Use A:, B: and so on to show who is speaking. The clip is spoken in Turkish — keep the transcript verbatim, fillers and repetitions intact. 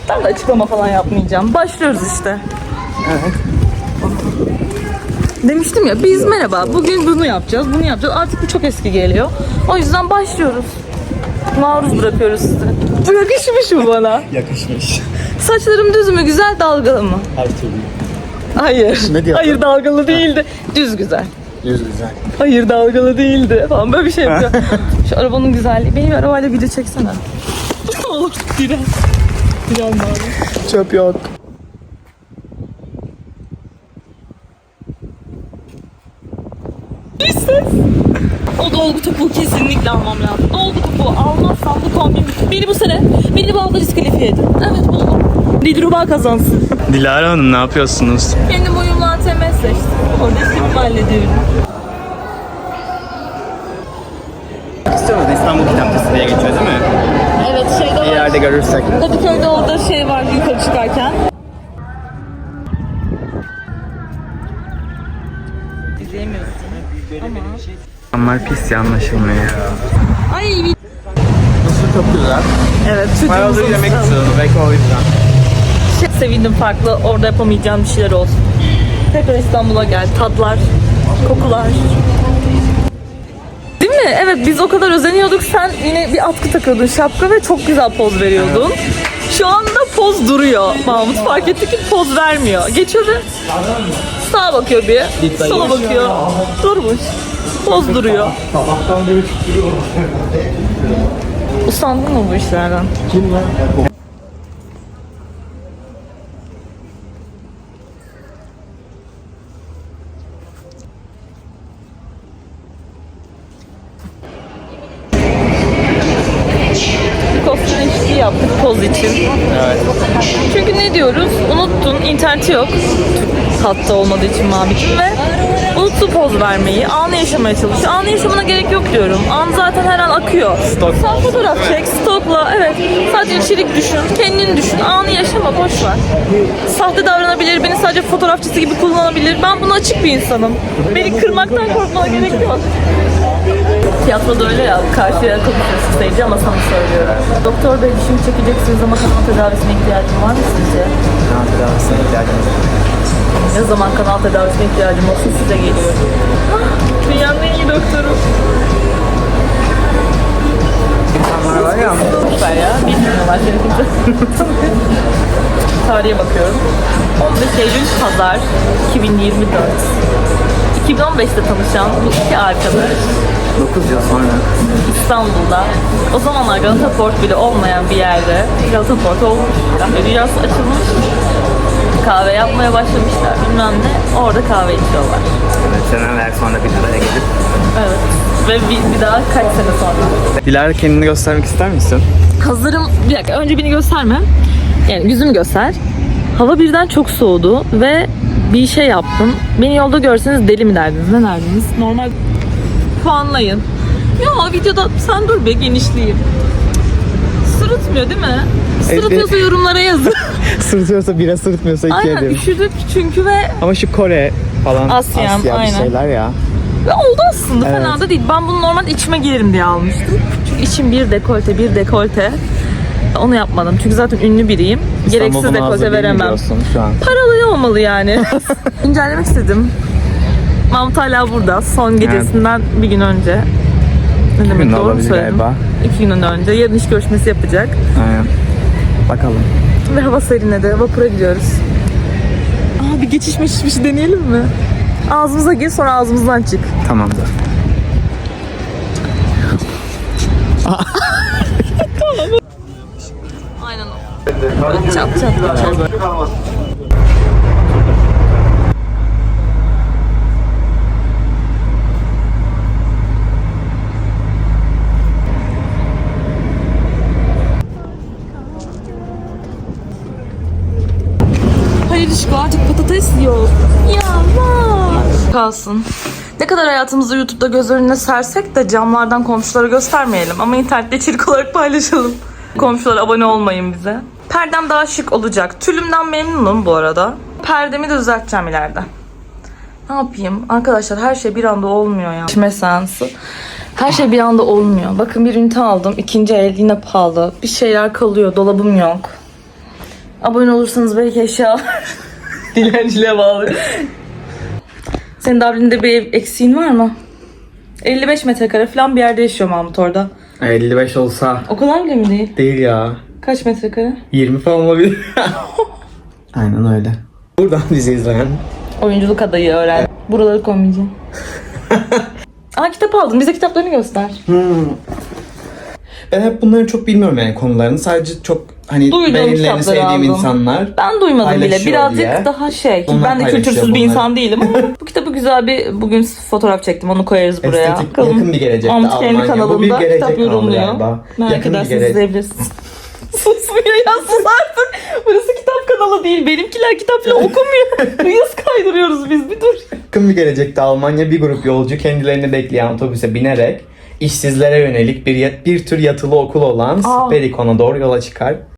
A: Ben de açıklama falan yapmayacağım. Başlıyoruz işte.
B: Evet.
A: Demiştim ya biz merhaba bugün bunu yapacağız, bunu yapacağız. Artık bu çok eski geliyor. O yüzden başlıyoruz. Maruz bırakıyoruz sizi. Bu yakışmış mı bana?
B: Yakışmış.
A: Saçlarım düz mü, güzel, dalgalı mı?
B: Her türlü.
A: Hayır.
B: Ne diyorsun?
A: Hayır, dalgalı değildi. Düz güzel.
B: Yüz güzel.
A: Hayır, dalgalı değildi falan böyle bir şey yapıyor. Şu arabanın güzelliği. Benim arabayla video çeksene. Olur. Diren. Diren abi.
B: Çöp yok.
A: Bir ses. O dolgu topuğu kesinlikle almam lazım. Dolgu topuğu almazsam bu kombin beni bu sene beni bu alda diskalifiye edin. Evet buldum. Dilruba kazansın.
B: Dilara Hanım ne yapıyorsunuz?
A: Kendim uyumlu A T M seçtim. Orada işimi hallediyorum.
B: İstiyoruz İstanbul Kitapçısı diye geçiyor değil mi?
A: Evet şeyde
B: Bir
A: var.
B: yerde görürsek.
A: Kadıköy'de orada şey var yukarı çıkarken. İzleyemiyorsun ama.
B: Onlar pis ya anlaşılmıyor.
A: Ay bir...
B: Nasıl çok güzel.
A: Evet
B: Bayağıdır
A: çocuğumuzun
B: yemek
A: ısrarı.
B: istiyorum belki o yüzden.
A: Şey, sevindim farklı orada yapamayacağım bir şeyler olsun. Tekrar İstanbul'a gel. Tatlar, kokular. Değil mi? Evet biz o kadar özeniyorduk. Sen yine bir atkı takıyordun şapka ve çok güzel poz veriyordun. Şu anda poz duruyor. Mahmut fark etti ki poz vermiyor. Geçiyor ve sağa bakıyor bir, sola bakıyor. Durmuş. Poz duruyor.
B: Sabahtan beri çıkıyor.
A: Usandın mı bu işlerden?
B: Kim lan?
A: Kostüm eşliği yaptık poz için.
B: Evet.
A: Çünkü ne diyoruz? Unuttun, interneti yok. Hatta olmadığı için Mabik'in ve unuttu poz vermeyi. Anı yaşamaya çalışıyor. Anı yaşamına gerek yok diyorum. An zaten her an akıyor.
B: Stok.
A: Sen fotoğraf çek, stokla. Evet. Sadece içerik düşün. Kendini düşün. Anı yaşama. Boş ver. Sahte davranabilir. Beni sadece fotoğrafçısı gibi kullanabilir. Ben buna açık bir insanım. Beni kırmaktan korkmana gerek yok. Tiyatroda öyle ya, karşıya konuşuyorsun seyirci ama sana söylüyorum. Doktor bey dişimi çekeceksiniz ama kanal tedavisine ihtiyacım var mı sizce?
B: Kanal tedavisine ihtiyacımız var.
A: Ne zaman kanal tedavisine ihtiyacım olsun size geliyorum. Dünyanın en iyi doktoru.
B: İnsanlar var ya.
A: Süper ya, bilmiyorlar seni kimse. Tarihe bakıyorum. on beş Eylül Pazar iki bin yirmi dört. iki bin on beşte tanışan bu iki arkadaş
B: dokuz yıl sonra.
A: İstanbul'da o zamanlar Galata Port bile olmayan bir yerde Galata Port olmuş, kahve dünyası açılmış, kahve yapmaya başlamışlar bilmem ne, orada kahve içiyorlar.
B: Evet, seneler sonra bir araya gelip.
A: Evet. Ve bir, bir daha kaç sene sonra.
B: Dilara kendini göstermek ister misin?
A: Hazırım. Bir dakika önce beni gösterme. Yani yüzümü göster. Hava birden çok soğudu ve bir şey yaptım. Beni yolda görseniz deli mi derdiniz? Ne derdiniz? Normal puanlayın. Ya videoda sen dur be genişleyeyim. Sırıtmıyor değil mi? Sırıtıyorsa yorumlara yazın.
B: Sırıtıyorsa bira, sırıtmıyorsa iki
A: Aynen
B: ederim.
A: üşüdük çünkü ve
B: Ama şu Kore falan
A: Asyan,
B: Asya bir
A: aynen.
B: şeyler ya.
A: Ve oldu aslında
B: Evet.
A: fena da değil. Ben bunu normalde içime giyerim diye almıştım. Çünkü içim bir dekolte bir dekolte. Onu yapmadım çünkü zaten ünlü biriyim. Gereksiz
B: İstanbul buna hazır
A: dekolte
B: değil mi
A: veremem.
B: diyorsun şu an?
A: Paralı olmalı yani. İncellemek istedim. Mahmut hala burada. Son gecesinden bir gün önce. Ne
B: gün
A: demek doğru mu
B: olabilir
A: söyledim?
B: galiba.
A: İki gün önce. Yarın iş görüşmesi yapacak.
B: Aynen. Bakalım.
A: Ve hava serinledi. Vapura gidiyoruz. Aa, bir geçiş meşiş bir şey deneyelim mi? Ağzımıza gir sonra ağzımızdan çık.
B: Tamamdır.
A: Aynen o. Çat çat çat. Hayır Işko artık patates yok. Ya var. Kalsın. Ne kadar hayatımızı YouTube'da göz önüne sersek de camlardan komşulara göstermeyelim. Ama internette içerik olarak paylaşalım. Komşulara abone olmayın bize. Perdem daha şık olacak. Tülümden memnunum bu arada. Perdemi de düzelteceğim ileride. Ne yapayım? Arkadaşlar her şey bir anda olmuyor ya. İçme seansı. Her şey bir anda olmuyor. Bakın bir ünite aldım. İkinci el yine pahalı. Bir şeyler kalıyor. Dolabım yok. Abone olursanız belki eşya dilenciliğe bağlı. Senin Dublin'de bir ev eksiğin var mı? elli beş metrekare falan bir yerde yaşıyor Mahmut orada.
B: elli beş olsa
A: O kadar bile mi değil?
B: değil ya.
A: Kaç metrekare?
B: yirmi falan olabilir. Aynen öyle. Buradan dizi izleyen.
A: Oyunculuk adayı öğren. Buraları koymayacağım. Aa, kitap aldım. Bize kitaplarını göster.
B: Hmm. Ben hep bunları çok bilmiyorum yani konularını. Sadece çok hani
A: Duyduğum
B: beğenilerini
A: kitapları
B: sevdiğim
A: aldım.
B: insanlar.
A: Ben duymadım bile.
B: Paylaşıyor
A: Birazcık
B: diye.
A: daha şey.
B: Onlar
A: ben de
B: paylaşıyor
A: kültürsüz bir
B: bunları.
A: insan değilim ama bu kitabı güzel bir bugün fotoğraf çektim. Onu koyarız buraya.
B: Estetik,
A: Bakalım.
B: yakın bir gelecekte
A: Mahmut Kendi
B: Almanya. Bu bir
A: kanalında
B: gelecek
A: kitap
B: kanalı
A: yorumluyor.
B: galiba.
A: Merak
B: Yakın bir
A: ederseniz
B: gelecek.
A: izleyebilirsiniz. Susmuyor ya, sus artık. Burası kitap kanalı değil. Benimkiler kitap falan okumuyor. Reels kaydırıyoruz biz, bir dur.
B: Yakın bir gelecekte Almanya bir grup yolcu kendilerini bekleyen otobüse binerek işsizlere yönelik bir bir tür yatılı okul olan
A: Aa.
B: Sperikon'a doğru yola çıkar.